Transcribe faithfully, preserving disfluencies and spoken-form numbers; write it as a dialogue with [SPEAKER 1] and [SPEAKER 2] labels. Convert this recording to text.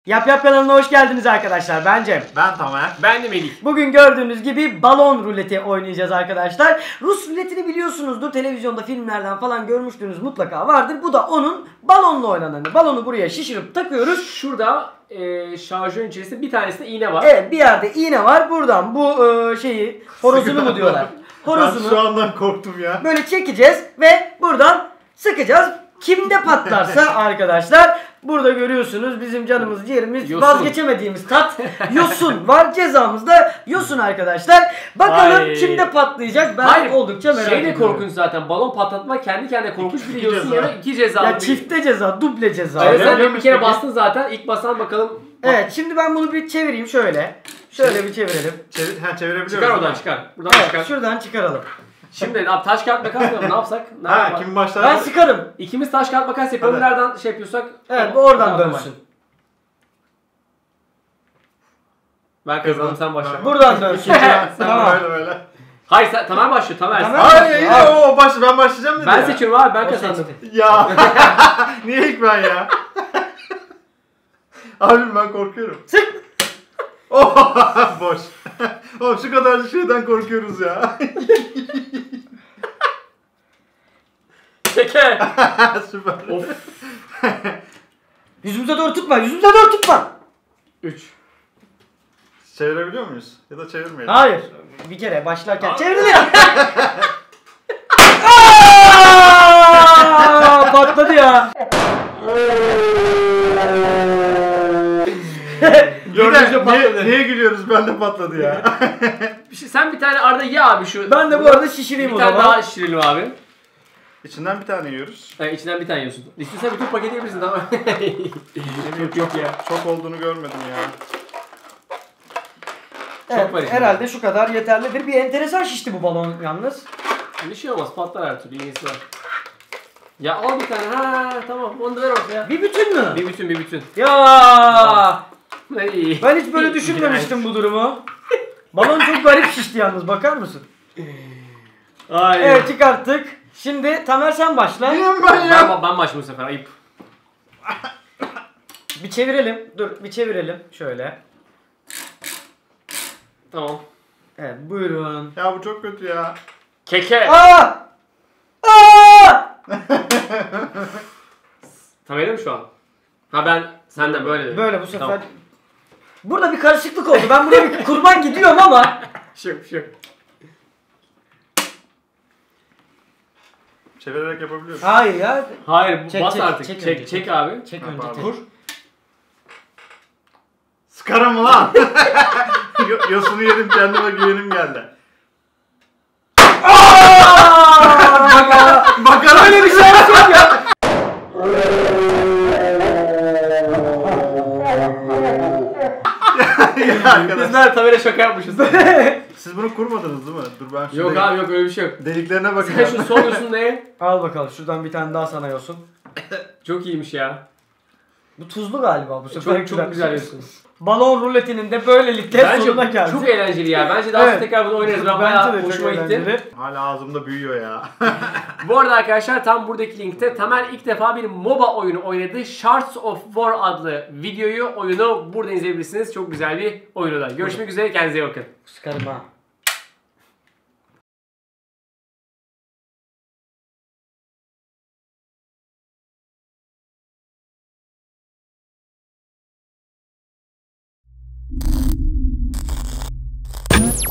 [SPEAKER 1] Yap Yap kanalına hoş geldiniz arkadaşlar. Ben Cem.
[SPEAKER 2] Ben Tamer.
[SPEAKER 3] Ben de Melih.
[SPEAKER 1] Bugün gördüğünüz gibi balon ruleti oynayacağız arkadaşlar. Rus ruletini biliyorsunuzdur. Televizyonda, filmlerden falan görmüştünüz mutlaka vardır. Bu da onun balonla oynananı. Balonu buraya şişirip takıyoruz.
[SPEAKER 3] Şurada e, şarjörün içerisinde bir tanesinde iğne var.
[SPEAKER 1] Evet, bir yerde iğne var. Buradan bu e, şeyi horozunu mu diyorlar? Horozunu.
[SPEAKER 2] Ben şu andan korktum ya.
[SPEAKER 1] Böyle çekeceğiz ve buradan sıkacağız. Kimde patlarsa arkadaşlar, burada görüyorsunuz bizim canımız ciğerimiz,
[SPEAKER 3] Yosun.
[SPEAKER 1] vazgeçemediğimiz tat yosun var. Cezamız da yosun arkadaşlar. Bakalım
[SPEAKER 3] Ay.
[SPEAKER 1] kimde patlayacak, ben
[SPEAKER 3] Hayır,
[SPEAKER 1] oldukça merak
[SPEAKER 3] şey de
[SPEAKER 1] ediyorum.
[SPEAKER 3] korkunç zaten, balon patlatmak kendi kendine korkunç, bir de
[SPEAKER 2] İki
[SPEAKER 3] yosun
[SPEAKER 2] ceza.
[SPEAKER 3] yana iki ceza.
[SPEAKER 1] Ya çifte ceza, duble ceza.
[SPEAKER 3] Evet,
[SPEAKER 2] Öyle
[SPEAKER 3] sen
[SPEAKER 2] mi
[SPEAKER 3] bir kere
[SPEAKER 2] peki?
[SPEAKER 3] bastın zaten, ilk basan bakalım.
[SPEAKER 1] Evet, şimdi ben bunu bir çevireyim şöyle. Şöyle bir çevirelim.
[SPEAKER 2] Çevir, ha, çevirebiliyoruz.
[SPEAKER 3] Çıkar
[SPEAKER 2] değil
[SPEAKER 3] oradan
[SPEAKER 2] mi?
[SPEAKER 3] çıkar. Buradan
[SPEAKER 1] Evet,
[SPEAKER 3] çıkar.
[SPEAKER 1] şuradan çıkaralım.
[SPEAKER 3] Şimdi abi, taş kağıt makas mı? Ne yapsak? Ne
[SPEAKER 2] Ha,
[SPEAKER 3] yapalım?
[SPEAKER 2] kim başlar?
[SPEAKER 1] Ben sıkarım.
[SPEAKER 3] İkimiz taş kağıt makas yapalım.
[SPEAKER 2] Hadi.
[SPEAKER 3] Nereden şey yapıyorsak.
[SPEAKER 1] Evet, bu oradan
[SPEAKER 3] Tamam,
[SPEAKER 1] dönsün.
[SPEAKER 3] Ben kazandım, sen başla.
[SPEAKER 1] Buradan dönsün.
[SPEAKER 2] Sen
[SPEAKER 1] Tamam.
[SPEAKER 2] böyle böyle.
[SPEAKER 3] Hayır, sen Tamer başlıyor. Tamer.
[SPEAKER 1] Tamer.
[SPEAKER 2] Hayır yine
[SPEAKER 1] Abi.
[SPEAKER 2] o baş, ben başlayacağım dedi
[SPEAKER 3] Ben
[SPEAKER 2] ya.
[SPEAKER 3] seçiyorum abi, ben
[SPEAKER 1] O
[SPEAKER 3] kazandım.
[SPEAKER 1] seçti.
[SPEAKER 2] Ya. Niye ilk ben ya? Abim ben korkuyorum.
[SPEAKER 1] Sık.
[SPEAKER 2] Oh, boş. Oğlum şu kadar şeyden korkuyoruz ya.
[SPEAKER 3] Şeker.
[SPEAKER 2] Süper.
[SPEAKER 3] Of.
[SPEAKER 1] Yüzümüze doğru tutma, yüzümüze doğru tutma.
[SPEAKER 3] üç.
[SPEAKER 2] Çevirebiliyor muyuz? Ya da çevirmeyelim.
[SPEAKER 1] Hayır. Bir kere başlarken
[SPEAKER 3] Abi.
[SPEAKER 1] çevrilir. Aaaa! Patladı ya.
[SPEAKER 3] Gördüğünüzde
[SPEAKER 2] Niye,
[SPEAKER 3] patladı.
[SPEAKER 2] niye gülüyoruz? Ben de patladı ya.
[SPEAKER 3] Bir şey, sen bir tane Arda ye abi şu.
[SPEAKER 1] Ben de bu arada şişireyim
[SPEAKER 3] bir
[SPEAKER 1] o
[SPEAKER 3] tane
[SPEAKER 1] zaman.
[SPEAKER 3] daha şişirelim abi.
[SPEAKER 2] İçinden bir tane yiyoruz.
[SPEAKER 3] Yani içinden bir tane yiyorsun. İstiyorsan bütün paketi yiyebilirsin, tamam. Yok yok ya.
[SPEAKER 2] Çok olduğunu görmedim ya.
[SPEAKER 1] Evet,
[SPEAKER 3] var içinde.
[SPEAKER 1] herhalde şu kadar yeterlidir. Bir enteresan şişti bu balon yalnız.
[SPEAKER 3] Bir şey olmaz, patlar her türlü, iyisi var. Ya al bir tane, ha tamam, onu da ver ortaya.
[SPEAKER 1] Bir bütün mü?
[SPEAKER 3] Bir bütün, bir bütün.
[SPEAKER 1] Ya
[SPEAKER 3] Ay.
[SPEAKER 1] ben hiç böyle düşünmemiştim bu durumu. Balon çok garip şişti yalnız, bakar mısın?
[SPEAKER 3] Ay.
[SPEAKER 1] Evet, çıkarttık. Şimdi Tamer sen başla.
[SPEAKER 2] Niye ben ya?
[SPEAKER 3] Ben, ben başlayayım bu sefer, ayıp.
[SPEAKER 1] Bir çevirelim. Dur, bir çevirelim. Şöyle.
[SPEAKER 3] Tamam.
[SPEAKER 1] Evet, buyurun.
[SPEAKER 2] Ya bu çok kötü ya.
[SPEAKER 3] Keke.
[SPEAKER 1] Aa! Aa!
[SPEAKER 3] Tamer'im şu an. Ha ben senden böyle dedim.
[SPEAKER 1] Böyle bu sefer.
[SPEAKER 3] Tamam.
[SPEAKER 1] Burada bir karışıklık oldu. Ben buraya bir kurban gidiyorum ama.
[SPEAKER 3] Bir şey yok, bir şey yok.
[SPEAKER 2] Çevirerek yapabiliyoruz.
[SPEAKER 1] Hayır ya.
[SPEAKER 3] Hayır, bu
[SPEAKER 1] Çek,
[SPEAKER 3] bas
[SPEAKER 1] çek,
[SPEAKER 3] artık.
[SPEAKER 1] çek
[SPEAKER 3] Çek,
[SPEAKER 1] önce,
[SPEAKER 3] çek,
[SPEAKER 1] çek.
[SPEAKER 3] abi.
[SPEAKER 1] Çek
[SPEAKER 2] Ha,
[SPEAKER 1] önce.
[SPEAKER 2] pardon.
[SPEAKER 1] tek.
[SPEAKER 3] Vur.
[SPEAKER 2] Sıkarım mı lan? Yo- Yosunu yedim, kendime güvenim geldi.
[SPEAKER 1] Aa!
[SPEAKER 2] Bakalım.
[SPEAKER 1] Öyle bir şey yok ya.
[SPEAKER 2] Ya arkadaş,
[SPEAKER 3] Bizler Tamer'e şaka yapmışız.
[SPEAKER 2] siz bunu kurmadınız değil mi? Dur ben şu
[SPEAKER 3] Yok
[SPEAKER 2] delik-
[SPEAKER 3] abi, yok öyle bir şey yok.
[SPEAKER 2] deliklerine
[SPEAKER 3] Sen
[SPEAKER 2] bakacağım.
[SPEAKER 3] şu son yosun ne?
[SPEAKER 1] Al bakalım, şuradan bir tane daha sana yosun.
[SPEAKER 3] Çok iyiymiş ya.
[SPEAKER 1] Bu tuzlu galiba bu sefer.
[SPEAKER 3] Çok çok güzel yosun.
[SPEAKER 1] Balon ruletinin de böylelikle sonuna
[SPEAKER 3] Bence
[SPEAKER 1] geldik.
[SPEAKER 3] çok eğlenceli ya. Bence daha sonra
[SPEAKER 1] Evet.
[SPEAKER 3] tekrar bunu oynarız. Ben
[SPEAKER 1] Bence
[SPEAKER 3] bayağı
[SPEAKER 1] de çok
[SPEAKER 3] hoşuma gitti.
[SPEAKER 1] eğlenceli.
[SPEAKER 2] Hala ağzımda büyüyor ya.
[SPEAKER 3] Bu arada arkadaşlar, tam buradaki linkte Tamer ilk defa bir MOBA oyunu oynadı. Shards of War adlı videoyu, oyunu burada izleyebilirsiniz. Çok güzel bir oyunu da. Görüşmek üzere, kendinize iyi bakın.
[SPEAKER 1] Sıkarım ha.